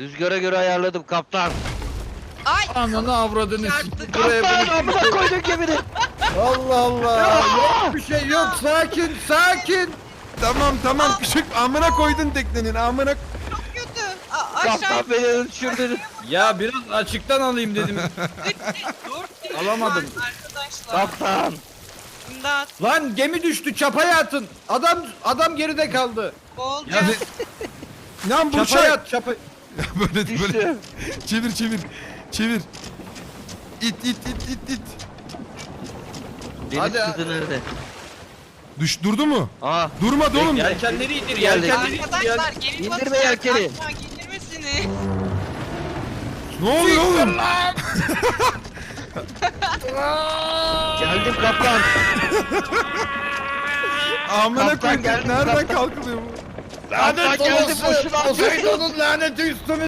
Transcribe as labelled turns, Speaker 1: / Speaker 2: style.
Speaker 1: Rüzgara göre ayarladım kaptan.
Speaker 2: Ay.
Speaker 3: Ananı avradını
Speaker 2: Çarptık.
Speaker 3: buraya
Speaker 1: Kaptan amına koydun gemini.
Speaker 3: Allah Allah. Yok bir şey yok. Sakin sakin.
Speaker 4: Tamam küçük amına koydun teknenin amına.
Speaker 2: Çok kötü. Aşağı.
Speaker 1: Kaptan beni düşürdün.
Speaker 3: Ya biraz açıktan alayım dedim.
Speaker 2: Dur.
Speaker 3: Alamadım.
Speaker 2: Arkadaşlar.
Speaker 1: Kaptan.
Speaker 2: İmdat.
Speaker 3: Lan gemi düştü, çapaya atın. Adam geride kaldı.
Speaker 2: Oldu.
Speaker 4: Ya Lan bu
Speaker 3: Çapaya
Speaker 4: şey.
Speaker 3: at, çapa.
Speaker 4: Böyle
Speaker 1: Düştü.
Speaker 4: çevir. İt.
Speaker 1: Deniz
Speaker 3: Hadi.
Speaker 1: kızı nerede?
Speaker 4: Durdu mu?
Speaker 1: Aa.
Speaker 4: Durmadı oğlum.
Speaker 3: Yelkenleri indir,
Speaker 1: Geldi.
Speaker 3: yelkenleri indir.
Speaker 2: Arkadaşlar gemi
Speaker 1: İndirme
Speaker 2: batacak.
Speaker 1: yelkeni.
Speaker 2: Aşağı getirmesini.
Speaker 4: Ne oluyor oğlum?
Speaker 1: Geldim kaptan.
Speaker 4: Amına
Speaker 1: Kaptan
Speaker 4: koyduk.
Speaker 1: geldi,
Speaker 4: Nereden
Speaker 1: kaptan.
Speaker 4: kalkılıyor bu?
Speaker 1: Kaptan geldi boşuna.
Speaker 3: Poseidon'un laneti üstüme